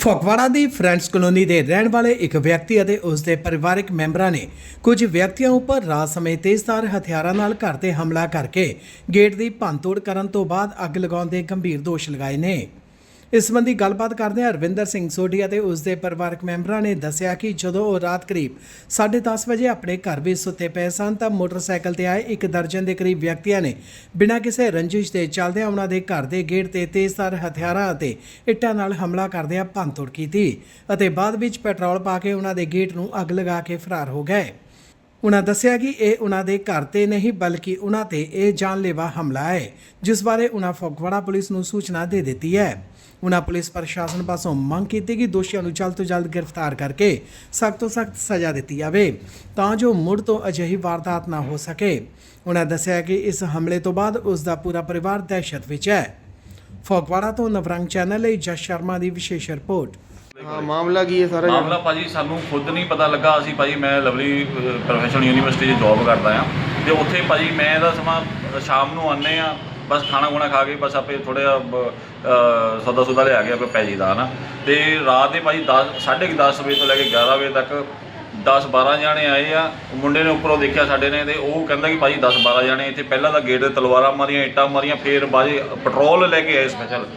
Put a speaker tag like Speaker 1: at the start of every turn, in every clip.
Speaker 1: ਫਗਵਾੜਾ ਦੀ friends colony ਦੇ ਰਹਿਣ ਵਾਲੇ ਇੱਕ ਵਿਅਕਤੀ ਅਤੇ ਉਸ ਦੇ ਪਰਿਵਾਰਕ ਮੈਂਬਰਾਂ ਨੇ ਕੁਝ ਵਿਅਕਤੀਆਂ ਉੱਪਰ ਰਾਤ ਸਮੇਂ ਤੇਜ਼ਧਾਰ ਹਥਿਆਰਾਂ ਨਾਲ ਘਰ ਤੇ ਹਮਲਾ ਕਰਕੇ ਗੇਟ ਦੀ ਭੰਨਤੋੜ ਕਰਨ ਤੋਂ ਬਾਅਦ ਅੱਗ ਲਗਾਉਣ ਦੇ ਗੰਭੀਰ ਦੋਸ਼ ਲਗਾਏ ਨੇ। ਇਸ ਸੰਬੰਧੀ ਗੱਲਬਾਤ ਕਰਦਿਆਂ ਰਵਿੰਦਰ ਸਿੰਘ ਸੋਢੀ ਅਤੇ ਉਸ ਦੇ ਪਰਿਵਾਰਕ ਮੈਂਬਰਾਂ ਨੇ ਦੱਸਿਆ ਕਿ ਜਦੋਂ ਉਹ ਰਾਤ ਕਰੀਬ 10:30 ਵਜੇ ਆਪਣੇ ਘਰ ਵਿੱਚ ਸੁੱਤੇ ਪਏ ਸਨ ਤਾਂ ਮੋਟਰਸਾਈਕਲ ਤੇ ਆਏ ਇੱਕ ਦਰਜਨ ਦੇ ਕਰੀਬ ਵਿਅਕਤੀਆਂ ਨੇ ਬਿਨਾਂ ਕਿਸੇ ਰੰਜਿਸ਼ ਦੇ ਚੱਲਦਿਆਂ ਉਹਨਾਂ ਦੇ ਘਰ ਦੇ ਗੇਟ ਤੇ ਤੇਜ਼ਧਾਰ ਹਥਿਆਰਾਂ ਅਤੇ ਇੱਟਾਂ ਨਾਲ ਹਮਲਾ ਕਰਦਿਆਂ ਭੰਨਤੋੜ ਕੀਤੀ ਅਤੇ ਬਾਅਦ ਵਿੱਚ ਪੈਟਰੋਲ ਪਾ ਕੇ ਉਹਨਾਂ ਦੇ ਗੇਟ ਨੂੰ ਅੱਗ ਲਗਾ ਕੇ ਫਰਾਰ ਹੋ ਗਏ। उन्होंने दस्सिया कि यह उन्होंने घर ते नहीं बल्कि उन्होंने यह जानलेवा हमला है जिस बारे उन्होंने फगवाड़ा पुलिस को सूचना दे दी है। उन्होंने पुलिस प्रशासन पासों मंग की कि दोषियों को जल्द तो जल्द गिरफ्तार करके सख्त तो सख्त सज़ा दी जाए तां जो मुड़ तो अजिही वारदात ना हो सके। उन्होंने दस्सिया कि इस हमले तो बाद उसका पूरा परिवार दहशत विच है। फगवाड़ा तो नवरंग चैनल ਲਈ जस शर्मा की विशेष रिपोर्ट।
Speaker 2: हाँ मामला की है सारा
Speaker 3: मामला भाजी सानू खुद नहीं पता लगा। असी भाजी मैं लवली प्रोफैशनल यूनीवर्सिटी जॉब करता हाँ तो उत्थे भाजी मैं दा समा शाम को आने बस खाना खुना खा के बस आपे थोड़ा सौदा सुदा लिया के आपे पै जाइदा है ना। तो रात के भाजी 10:30 बजे तो लैके 11 बजे तक 10-12 जाने आए आ। मुंडे ने उपरों देखा साडे ने तो वह कहता कि भाजी 10-12 जाने इतने पहला तो गेट तलवारां मारियां इट्टां मारियां फिर भाजी पेट्रोल लैके आए स्पैशल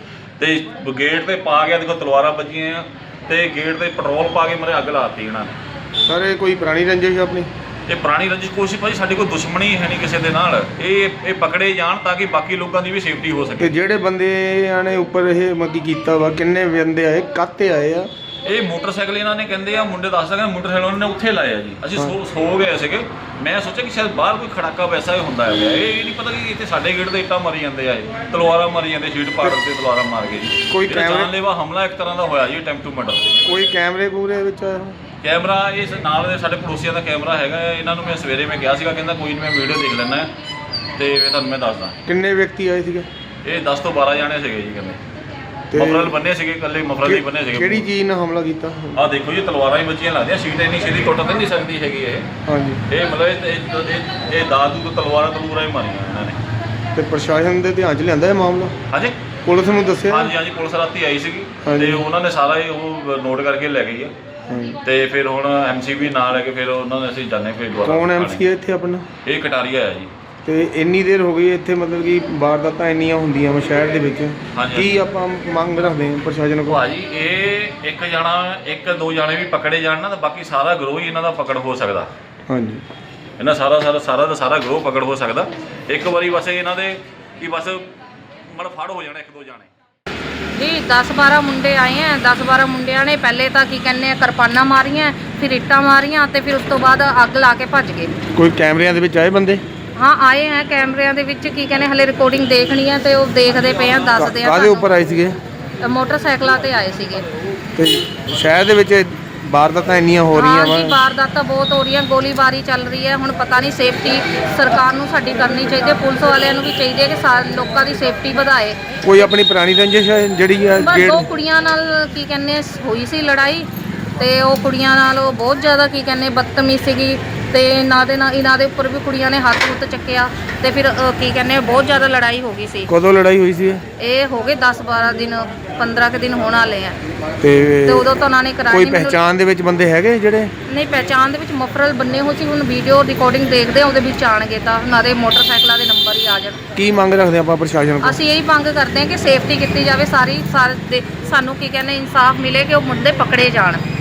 Speaker 3: तो गेट पर पा गया देखो तलवारां बजियां तो गेट पर पेट्रोल पा के मेरे अग लाती इन्होंने।
Speaker 2: सर ये कोई पुरानी रंजिश है अपनी?
Speaker 3: ये पुरानी रंजिश कोशिश भाई साडी कोई दुश्मनी है नहीं किसी के नाल। ये पकड़े जान ताकि बाकी लोगों की भी सेफ्टी हो सके।
Speaker 2: जेडे बंदे ने उपर ये मगी कीता वा किन्ने बंदे आए काते आए आ?
Speaker 3: ये मोटरसाइकिल इन्होंने कहते हैं मुंडे दस सकें मोटरसाइकिल उन्होंने उत्थे लाया जी। असीं सो गए थे। मैं सोचा कि शायद बाहर कोई खड़ाका वैसा ही होंदा है। ये नहीं पता कि इतने साडे गेट से इट्टां मारी जाते हैं तलवारां मारी जाते शीट पाड़ के तलवारां मार के जी।
Speaker 2: कोई
Speaker 3: जानलेवा हमला एक तरह का होया जी अटैम्प्ट टू मर्डर।
Speaker 2: कोई कैमरे कूमरे विच
Speaker 3: कैमरा इस नाल दे साडे पड़ोसियों का कैमरा हैगा। इन्हां नूं मैं सवेरे मैं कहा सीगा कहंदा कोई नहीं मैं वीडियो देख लैना तो तुहानूं मैं दसदा।
Speaker 2: किन्ने व्यक्ति आए थे?
Speaker 3: ये 10 तो 12 जाने थे जी कहंदे मफरल बने से कल्ले मफरल ही बने से।
Speaker 2: किहड़ी चीज़ नाल हमला कीता?
Speaker 3: आ देखो जी तलवारां ही बच्चियां लगदियां सीट इन्नी सीधी टुट तो नहीं सकती हैगी ये।
Speaker 2: हाँ जी
Speaker 3: ये मतलब ये दादू तो तलवारां तलूरां ही मारियां इन्होंने।
Speaker 2: ते प्रशासन दे ध्यान च लिआंदा है मामला?
Speaker 3: हाँ जी
Speaker 2: पुलिस नूं दस्सिया?
Speaker 3: हाँ जी हाँ जी पुलिस राती आई सी ते उन्होंने सारा ही वो नोट करके लै गई है। तो फिर हुण MC भी नाल है कि फिर उन्होंने असीं जाने फिर
Speaker 2: कौन MC है इत्थे अपना?
Speaker 3: ये कटारिया है जी।
Speaker 2: तो इन्नी देर हो गई इत्थे मतलब कि वारदातां इन्नियां हुंदियां शहर दे विच की आपां मंग रखदे हां प्रशासन कोल?
Speaker 3: भाजी ये एक जना एक दो जाने भी पकड़े जान ना तो बाकी सारा ग्रोह ही इन्हां दा पकड़ हो सकदा।
Speaker 2: हाँ जी
Speaker 3: इन्हां सारा ग्रोह पकड़ हो सकदा एक बारी बस इन्हां दे कि बस मतलब फड़ हो जाना एक दो जाने
Speaker 4: जी। 10-12 मुंडे आए हैं। 10-12 मुंडिया ने पहले तो की कहने किरपाना मारियां फिर इट्टां मारियां तो फिर उस तो बाद अग ला के भज गए।
Speaker 2: कोई कैमरियां दे विच आए बंदे?
Speaker 4: हाँ आए हैं कैमरिया दे विच की कहने हले रिकॉर्डिंग देखनी है तो देखते पे हैं दसदे
Speaker 2: काहदे उपर आए सीगे?
Speaker 4: मोटरसाइकिलों ते आए सीगे।
Speaker 2: ते शहर दे विच वारदातां इन्नियां हो रही
Speaker 4: हैं? वारदातां बहुत हो रही हैं गोलीबारी चल रही है। हुण पता नहीं सेफ्टी सरकार नूं साडी करनी चाहिए पुलिस वालियां नूं भी चाहिए कि लोकां दी सेफ्टी वधाए।
Speaker 2: कोई अपनी पुरानी रंजिश है जिहड़ी
Speaker 4: बस दो कुड़ियां नाल की कहने हुई सी लड़ाई ते वो कुड़ियां नाल बहुत ज़्यादा की कहने बदतमीज़ सीगी ते इन्हां दे उपर भी कुड़ियां ने हत्थ हुत्थ चक्किया ते फिर की कहने बहुत ज़्यादा लड़ाई हो गई सी।
Speaker 2: कदों लड़ाई हुई सी? ये
Speaker 4: हो गए 10-12 दिन 15 के दिन होने वाले हैं
Speaker 2: ते
Speaker 4: उदों तो उन्होंने कराई।
Speaker 2: कोई पहचान दे विच बंदे हैगे जिहड़े?
Speaker 4: नहीं पहचान दे विच मफरल बन्ने हो सी। हुण वीडियो रिकॉर्डिंग देखदे उहदे विच आणगे तां उन्हां दे मोटरसाइकिलों के नंबर ही आ जाण।
Speaker 2: की मंग रखदे आपां प्रशासन कोल?
Speaker 4: असीं यही मंग करते हैं कि सेफ्टी कीती जावे सारी सानू की कहने इंसाफ मिले कि वो मुंडे पकड़े जाण।